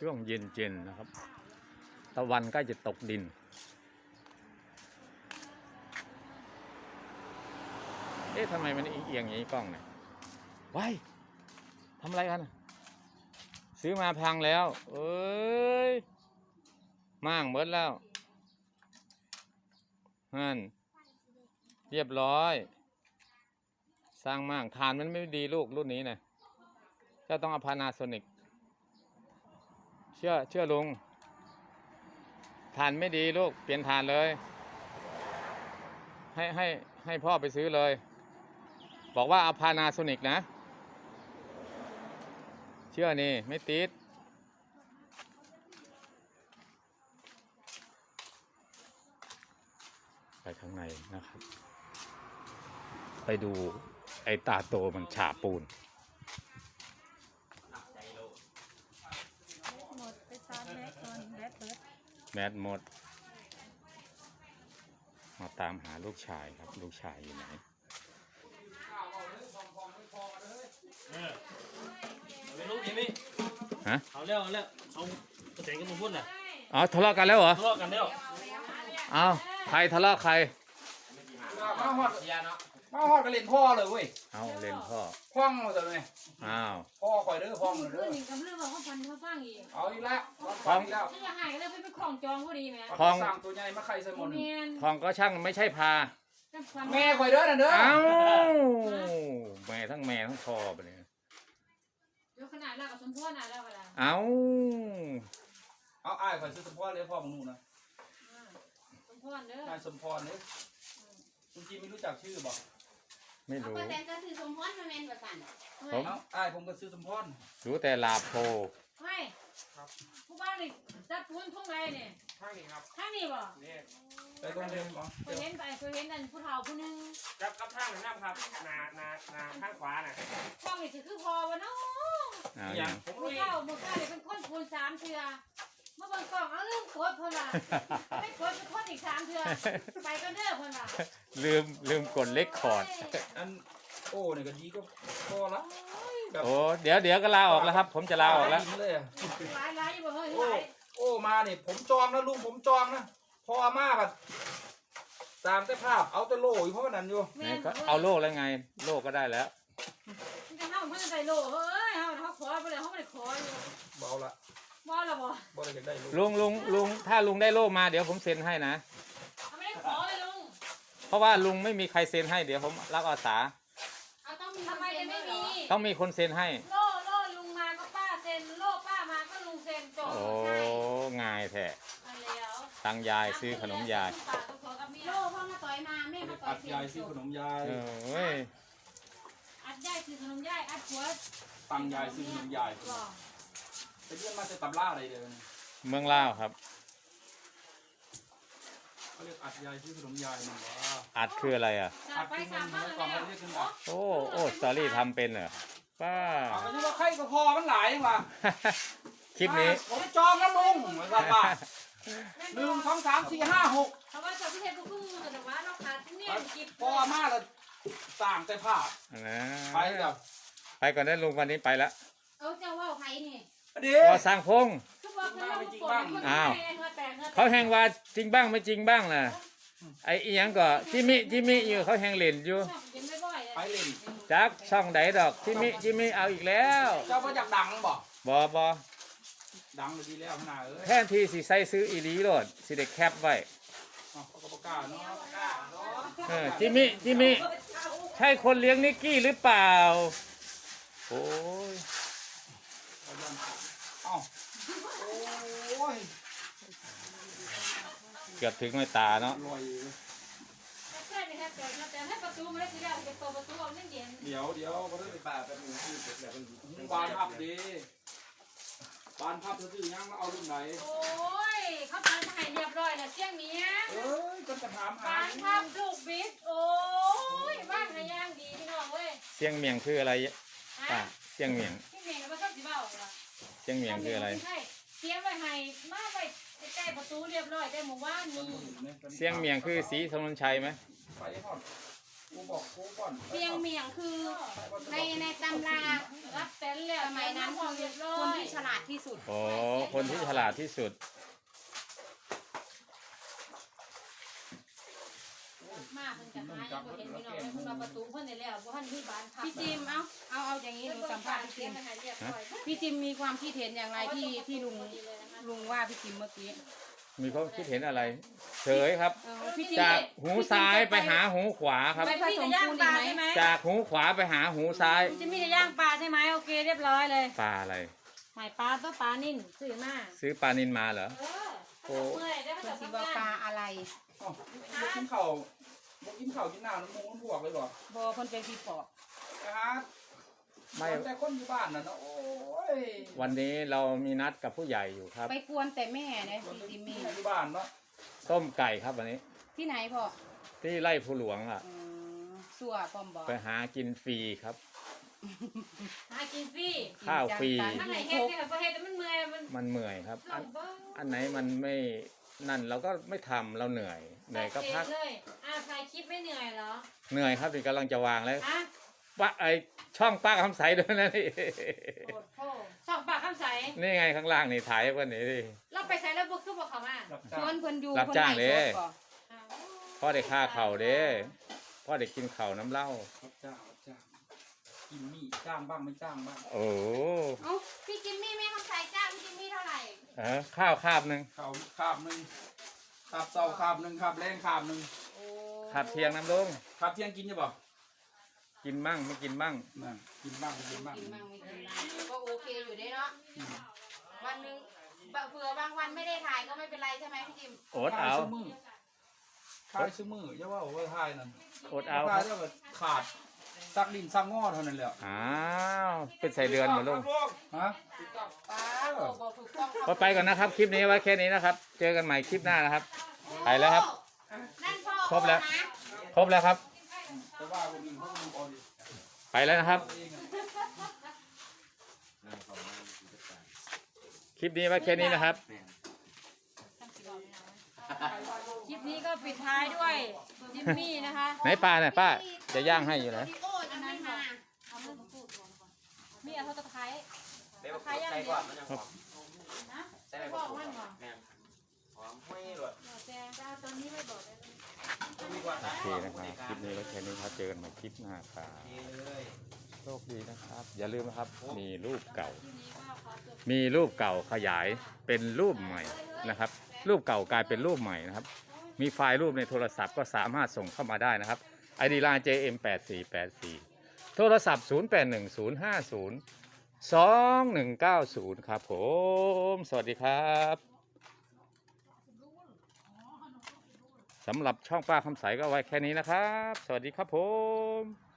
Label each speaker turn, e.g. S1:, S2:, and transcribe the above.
S1: ช่วงเย็นๆนะครับตะวันใกล้จะตกดินเอ๊ะทำไมมันเอียงอย่างนี้กล้องเนี่ยว้ายทำอะไรกันซื้อมาพังแล้วเอ้ยมั่งหมดแล้วฮั่นเรียบร้อยสร้างมั่งฐานมันไม่ดีลูกรุ่นนี้นะเจ้าต้องเอาพานาโซนิกเชื่อลุงฐานไม่ดีลูกเปลี่ยนฐานเลยให้พ่อไปซื้อเลยบอกว่าเอาพานาโซนิกนะเชื่อนี่ไม่ติดไปข้างในนะครับไปดูไอ้ตาโตมันฉาบปูนแมสหมดมาตามหาลูกชายครับลูกชายอยู่ไหน
S2: ไม่รู้ยังไม่
S1: ฮะ
S2: เอาแล้วเขากระเตงกันมาพูดน่ะ
S1: อ๋อทะเลาะกันแล้วเหรอ
S2: ทะเลาะกันแล้ว
S1: อ้าวใครทะเลาะใคร
S3: มาฮอดก็เล่นพ่อเลยเว้ย
S1: เอาเล่นพ่อ
S3: คว้างมาเลย
S1: อ้าว
S3: พ่อคอยเด้อพ่อเลยเด้อ
S4: กับเรื่องว่าเขาฟันเขาฟังอีก
S3: เอาอีกแล้วฟังอีกแล้ว
S4: จะหายแล้วไปคล้องจองพอดีไหม
S3: คล้องสร้างตัวใหญ่มาไข่ใส่หมด
S1: คลองก็ช่างไม่ใช่พา
S3: แม่คอยเด้อน่ะเด้อ
S1: เอ้าแม่ทั้งพ่อไปเลย
S4: เดี๋ยวขนาดแล้วกับสมพ่อน่ะแล้วเวลา
S1: เอา
S3: อ้ายคอยซื้อสมพรเลยพ่อมึงนู่นนะ
S4: สมพ่อเด้อน
S3: ายสมพรเนี่ยคุณจีไม่รู้จักชื่อบอก
S1: ไม่รู้
S4: แต่ก็คือสมพ่อมาเมนประสัน
S1: ผม
S3: อ้ายผมก็ซื้อสมพร
S1: รู้แต่ลาโพ
S4: ไม่ผู้บ้านนี่จัดปูนทุ่งไรเนี่ย
S3: ข้างนี้ครับ
S4: ข้างนี้บ่
S3: ไปตรงเดิมเหรอ
S4: เคยเห็นนั่นผู้เฒ่าผู้นึง
S2: กับทางหนึ่งครับนาข้างขวาน่ะ
S4: ข้องนี่คือพอวะเนาะ
S3: อย่าง
S4: ผมรู้มือข้าเลยเป็นคนปูน3 เทื่อเมื่อบางกล่องเอาเรื่องโคตรพ่นละไม่โคตรเป็นคนอีก3 เทื่อไปก็เด้อพ่นละ
S1: ลืมกดเล็กคอร์ด
S3: อันโอ้เนี่ยก็ดีก็พอละ
S1: โอ้เดี๋ยวก็ลาออกแล้วครับผมจะลาออกแล้ว
S4: หลายอยู่บ่เฮ้ย
S3: โอ้มาเนี่ยผมจองนะลุงผมจองนะพอมากอะตามแต่ภาพเอาแต่โล่เพราะนั้นอยู่
S1: ก็เอาโล่แล้วไงโล่ก็ได้แล้ว
S4: มันจะห้ามเพื่อนใส่โล่เฮ้ยเขาขอไปเลยเขาไม่ได้ขออยู่
S3: เบาละ
S4: บ่ละบ่
S3: ได้อยากได้
S1: ลุงถ้าลุงได้โล่มาเดี๋ยวผมเซ็นให้นะ
S4: ไม่ได้ขอเลยลุง
S1: เพราะว่าลุงไม่มีใครเซ็นให้เดี๋ยวผมรับอาสา
S4: ทำไมจะไม่มี
S1: ต้องมีคนเซ็นให้
S4: โล่ลุงมาก็ป้าเซ็นโล่ป้ามาก็ลุงเซ็นจบ
S1: โอ้ง่ายแท้ตังยายซื้อขนมยาย
S4: โล่พ่อมาต่อยมาแม่มาต่อย
S3: ยายซื้อขนมยาย
S4: อัดยายซื้อขนมยายอัดหัว
S3: ตังยายซื้อขนมยายไปเรียนมาจะตำล่าอะไรเดี๋ยว
S1: เมืองล่าวครับ
S3: เขาเรียกอัดยายซื้อขนมยายนี่ว่า
S1: อัดคืออะไรอ่ะ
S3: อัดคือมันก่อนเขาเรียกขึ้นอัด
S1: โอ้สตอรี่ทำเป็นเหรอป้า
S3: ไม่ใช่ว่าไข่ก็พอมันหลายว่ะ
S1: คลิปนี้
S3: ผมจองแล้วลุงเหมือนกันป่ะ1 2 3 4 5 6
S4: เขาว่าจะพิเศษก็พึ่งแต่ว่าเราขาดที่นี่กิบ
S3: พอมากเลยต่างแต่ภาพไปกับ
S1: ไปก่อนได้ลุงวันนี้ไปแล้ว
S4: เจ้าว่าใครนี่
S1: ก็สร้างพงอ้าวเขาแหงว่าจริงบ้างไม่จริงบ้างนะไอ้อีหยังก็จิมิอยู่เขาแหงเล่นอยู่
S3: ไปเล่น
S1: จักช่องไหนดอกจิมิเอาอีกแล้ว
S3: เจ้ามาจากดัง
S1: บ่
S3: ดังเลยดีแล้วขนาด
S1: แทนที่สิใส่ซื้ออีหลีโลดสิเด็กแคปไว้
S3: เขาก็ประกาศเนาะ
S1: จิมิใช่คนเลี้ยงนิกกี้หรือเปล่าโอ้ยเกือบถึงไม่ตาเนาะ
S3: เดี๋ยวเขาจะไปป่าไปดูที่เสร็จแล้วมันบานพับดีบานพับซื้อยังมาเอารุ่นไหน
S4: โอ้ยเขาทำให้เรียบร้อยแล้วเสี่ยงเมีย
S3: ก็จะถาม
S4: บานพับลูกบิดโอ้ยบ้านย่างดีพี่น้องเว้ย
S1: เสี่ยงเมียงคืออะไรเสี่ยงเมียง
S4: ไม่ชอบสิเบ้า
S1: เสี่ยงเมียงคืออะไร
S4: เสียงไว้ให้มาไว้ใกล้ประตูเรียบร้อยแต่หมู่บ้านนี่
S1: เสี่ยงเมียงคือสีถนนชัยไหม
S3: ไปทอดกูบอกกูก่อน
S5: เปียงเมียงคือในตำรา
S4: รับเป็นเลย
S5: สมัยนั้นคือคนที่ฉลาดที่สุด
S1: โอ้คนที่ฉลาดที่สุด
S4: มาเพิ่นจะหายังบ่เห็นพี่น้องเพิ่นมาประตูเพิ่นได้แล้วบ่ทันมีบ้านพัก
S5: พี่จิมเอาอย่างนี้หนูสัมภาษณ์พี่จิม
S4: ให้เรียบร้อย
S5: พี่จิมมีความคิดเห็นอย่างไรที่ลุงว่าพี่จิมเมื่อกี้
S1: มีความคิดเห็นอะไรเฉยครับ
S5: พี่จิม
S1: จากหูซ้ายไปหาหูขวาครับ
S5: ไปผสมปูนดีไหม
S1: จากหูขวาไปหาหูซ้าย
S4: จะมีแต่ย่างปลาใช่ไหมโอเคเรียบร้อยเลย
S1: ปลาอะไร
S4: หมายปลาตัวปลานิ่นซื้อมา
S1: ซื้อปลานินมาเหรอ
S4: เมื่อยได้มา
S5: เพื่อ
S4: จาก
S5: สิ
S4: ทำ
S5: ว่าง
S4: า
S5: ปลาน อะไร
S3: อ๋อบ่กินข้าวบ่กินข้าวกินน้ำน้ำมูกน้ำพวกเลยบ่
S5: บอเพิ่นเป็นพี่ปอบ
S3: นะฮะ
S1: ไม่
S3: แต่คนอยู่บ้านน่ะเนาะโอ้ย
S1: วันนี้เรามีนัดกับผู้ใหญ่อยู่ครับ
S5: ไปกวนแต่แม่นะพี่จิมมี่
S3: อยู่บ้านเนาะ
S1: ต้มไก่ครับวันนี้
S5: ที่ไหนพ่อ
S1: ที่ไร่ผู้หลวงอ่ะ
S5: สัวปอมบอก
S1: ไปหากินฟรีครับ
S4: หากินฟรี
S1: ข้าวฟรี
S4: ถ้าไหนเฮ็ดเนี่ยประเฮ็ดแต่มันเมื่อยมัน
S1: มันเหนื่อยครับ
S4: หลงเบิ่ง
S1: อันไหนมันไม่นั่นเราก็ไม่ทำเราเหนื่อยก็พัก
S4: เลยถ่ายคลิปไม่เหนื่อยเหรอ
S1: เหนื่อยครับนี่กำลังจะวางแล้ว
S4: ฮะ
S1: ป้าไอช่องป้าคำใสด้วยนะนี่
S4: โคตรโพสองปากคำใส
S1: นี่ไงข้างล่างนี่ถ่ายไว้นี่ดิ
S4: เราไปใส่แล้วบุกคือบอกเขามา
S3: รับ
S5: ช
S3: จ้า
S5: วน
S3: ง
S5: เพิ่นอยู่
S1: รับจ้างเด้
S5: พิ่นไล่สดบ่
S1: พ่อได้ค่าเข่าวเด้พ่อได้กินเข่าวน้ำเหล้า
S3: รับจ้างกินมีจ้างบ้างไม่จ้างบ้าง
S1: โอ้โห
S5: เอ้าพี่จิมมี่แม่คำใสจ้างพี่จิมมี่เท่าไหร่
S1: ข้าวคาบหนึ่ง
S3: ข้าวคาบหนึงคาบเช้าคาบหนึงคาบแรงคาบหนึง
S1: คาบเที่ยงน้ำลุง
S3: คาบเที่ยงกินอยู่บ่
S1: กินมั่งไม่กินมั่ง
S3: นั่นกินบ้างไม่กินบ้าง
S5: กินมั่งไม่กินบ้างก็โอเคอยู่ได้เนาะวันหนึงเผื่อบางวันไม่ได้ถ่ายก็ไม่เป็นไรใช่ไหมพี่จิม
S1: อดเอา
S3: ขายซื้อมืออย่าว่าโอ้ยทายนั่น
S1: อดเอาค
S3: ขาย
S1: รับ
S3: แล้วก็ขาดซักดินซักงอเท่านั้นแหละ
S1: อ้าวเป็นใส่เดือนหมดลุง
S3: ฮะ
S5: ป้าบอกถูกต้อง
S1: ก็ไปก่อนนะครับ คลิปนี้ไว้แค่นี้นะครับ เจอกันใหม่คลิปหน้านะครับ ไปแล้วครับ
S5: นั่นพ่อ
S1: ครบแล้ว
S5: นะ
S1: ครบแล้วครับ
S3: แต่ว่าคนอื่นเขาก็ดูเอาดิ
S1: ไปแล้วนะครับ
S3: เอาเองอะ
S1: คลิปนี้ไว้แค่นี้นะครับ
S4: คลิปนี้ก็ปิดท้ายด้วยจิมมี่นะคะ
S1: ไหนปลาเนี่ยป้าจะย่างให้อยู่นะ
S5: พี่โอ้จะไม่มา
S4: เอาเรื่องพูดก่อนมีเอาตะไคร้
S2: เดี๋ยวใส่ก่อนมันยังหอม
S4: นะ
S2: ใส่ไป
S4: บอก
S2: ก่อน
S4: มันก่อน
S2: แม่นหอมห้อยเลย
S4: แต่ตอนนี้ไม่บอกได้เลย
S2: มีกว่า
S1: โอเคนะครับคลิปนี้ไว้แค่นี้ครับเจอกันใหม่คลิปหน้าครับ
S2: เลย
S1: โชคดีนะครับ อย่าลืมนะครับ มีรูปเก่า
S4: ทีนี้ก็ขอจบ
S1: มีรูปเก่าขยายเป็นรูปใหม่นะครับ รูปเก่ากลายเป็นรูปใหม่นะครับ มีไฟล์รูปในโทรศัพท์ก็สามารถส่งเข้ามาได้นะครับ ID line JM8484 โทรศัพท์ 0810502190 ครับผม สวัสดีครับสำหรับช่องป้าคำใสก็ไว้แค่นี้นะครับ สวัสดีครับผม